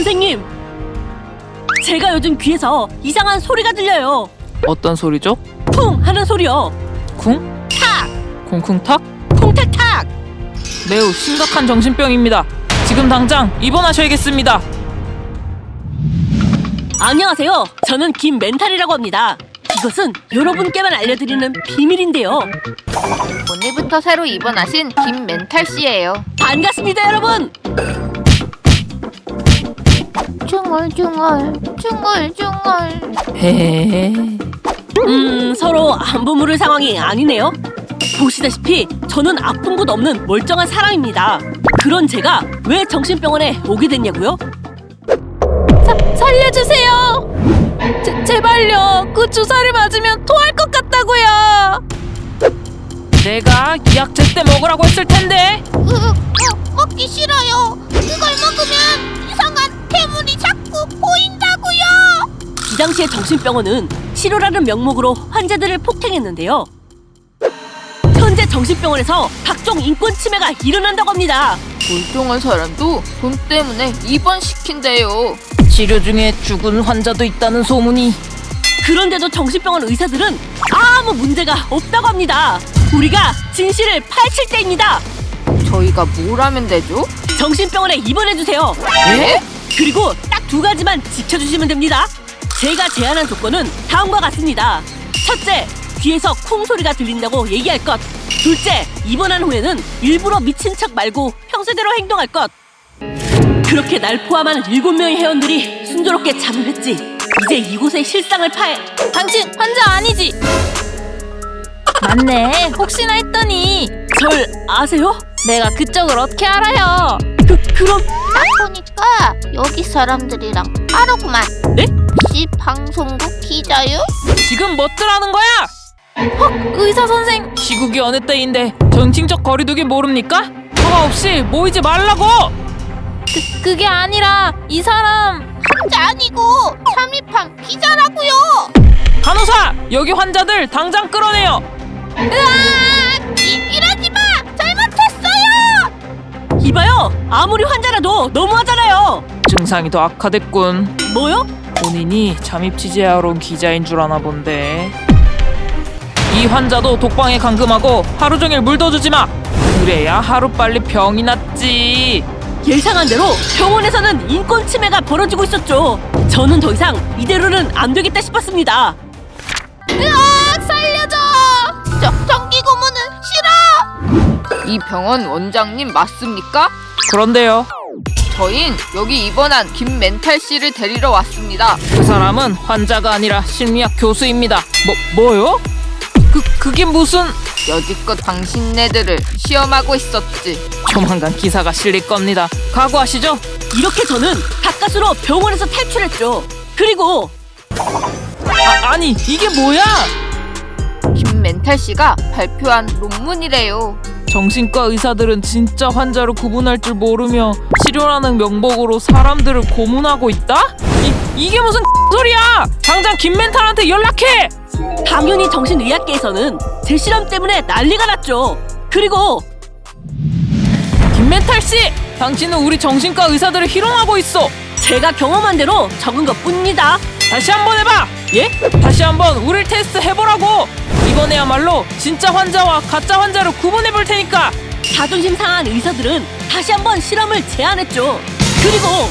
선생님! 제가 요즘 귀에서 이상한 소리가 들려요. 어떤 소리죠? 쿵! 하는 소리요. 쿵? 탁! 쿵쿵탁? 쿵탁탁! 매우 심각한 정신병입니다. 지금 당장 입원하셔야겠습니다. 안녕하세요. 저는 김멘탈이라고 합니다. 이것은 여러분께만 알려드리는 비밀인데요. 오늘부터 새로 입원하신 김멘탈 씨예요. 반갑습니다, 여러분! 중얼중얼 중얼중얼. 헤헤헤. 서로 안부 물을 상황이 아니네요. 보시다시피 저는 아픈 곳 없는 멀쩡한 사람입니다. 그런 제가 왜 정신병원에 오게 됐냐고요? 살려주세요! 제발요! 그 주사를 맞으면 토할 것 같다고요! 내가 약 제때 먹으라고 했을 텐데. 먹기 싫어요. 그걸 먹으면 이상한 괴물이 자꾸 보인다고요. 이 당시의 정신병원은 치료라는 명목으로 환자들을 폭행했는데요. 현재 정신병원에서 각종 인권 침해가 일어난다고 합니다. 멀쩡한 사람도 돈 때문에 입원시킨대요. 치료 중에 죽은 환자도 있다는 소문이. 그런데도 정신병원 의사들은 아무 문제가 없다고 합니다. 우리가 진실을 파헤칠 때입니다. 저희가 뭘 하면 되죠? 정신병원에 입원해주세요. 예? 그리고 딱 두 가지만 지켜주시면 됩니다. 제가 제안한 조건은 다음과 같습니다. 첫째, 귀에서 쿵 소리가 들린다고 얘기할 것. 둘째, 입원한 후에는 일부러 미친 척 말고 평소대로 행동할 것. 그렇게 날 포함한 7명의 회원들이 순조롭게 잠을 했지. 이제 이곳의 실상을 당신 환자 아니지? 맞네. 혹시나 했더니. 절 아세요? 내가 그쪽을 어떻게 알아요? 그럼 딱 보니까 여기 사람들이랑 하루구만. 네? 혹시 방송국 기자요? 지금 멋들하는 거야? 의사 선생. 시국이 어느 때인데 정신적 거리두기 모릅니까? 허가 없이 모이지 말라고! 그게 아니라 이 사람. 환자 아니고 잠입한 기자라고요. 간호사! 여기 환자들 당장 끌어내요! 으악! 이러지 마! 잘못했어요! 이봐요. 아무리 환자라도 너무하잖아요. 증상이 더 악화됐군. 뭐요? 본인이 잠입 취재하러 온 기자인 줄 아나 본데. 이 환자도 독방에 감금하고 하루 종일 물 더 주지 마! 그래야 하루빨리 병이 낫지. 예상한 대로 병원에서는 인권 침해가 벌어지고 있었죠. 저는 더 이상 이대로는 안 되겠다 싶었습니다. 으악! 살려줘! 정기 고문은 싫어! 이 병원 원장님 맞습니까? 그런데요, 저흰 여기 입원한 김멘탈 씨를 데리러 왔습니다. 그 사람은 환자가 아니라 심리학 교수입니다. 뭐요? 그게 무슨... 여지껏 당신네들을 시험하고 있었지. 조만간 기사가 실릴 겁니다. 각오하시죠? 이렇게 저는 가까스로 병원에서 탈출했죠. 그리고 아니 이게 뭐야? 김멘탈 씨가 발표한 논문이래요. 정신과 의사들은 진짜 환자를 구분할 줄 모르며 치료라는 명목으로 사람들을 고문하고 있다? 이게 무슨 소리야! 당장 김멘탈한테 연락해! 당연히 정신의학계에서는 제 실험 때문에 난리가 났죠. 그리고 김멘탈 씨! 당신은 우리 정신과 의사들을 희롱하고 있어! 제가 경험한 대로 적은 것뿐입니다. 다시 한번 해봐! 예? 다시 한번 우릴 테스트 해보라고! 이번에야말로 진짜 환자와 가짜 환자를 구분해볼 테니까! 자존심 상한 의사들은 다시 한번 실험을 제안했죠. 그리고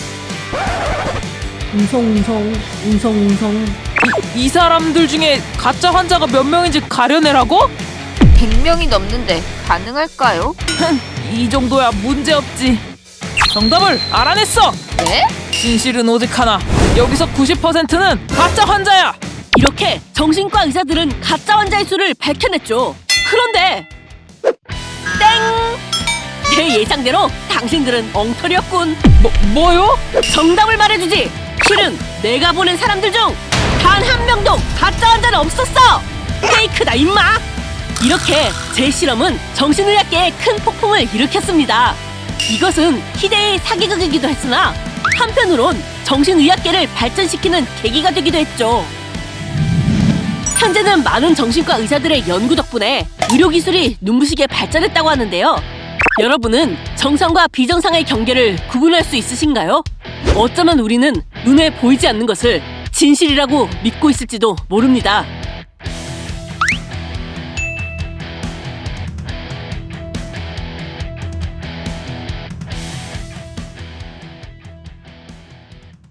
웅성웅성 이 사람들 중에 가짜 환자가 몇 명인지 가려내라고? 100명이 넘는데 가능할까요? 이 정도야 문제없지. 정답을 알아냈어! 네? 진실은 오직 하나. 여기서 90%는 가짜 환자야! 이렇게 정신과 의사들은 가짜 환자의 수를 밝혀냈죠. 그런데 땡! 제 예상대로 당신들은 엉터리였군. 뭐요? 정답을 말해주지. 실은 내가 보낸 사람들 중 단 한 명도 가짜 환자는 없었어. 페이크다 임마. 이렇게 제 실험은 정신의학계에 큰 폭풍을 일으켰습니다. 이것은 희대의 사기극이기도 했으나 한편으론 정신의학계를 발전시키는 계기가 되기도 했죠. 현재는 많은 정신과 의사들의 연구 덕분에 의료기술이 눈부시게 발전했다고 하는데요. 여러분은 정상과 비정상의 경계를 구분할 수 있으신가요? 어쩌면 우리는 눈에 보이지 않는 것을 진실이라고 믿고 있을지도 모릅니다.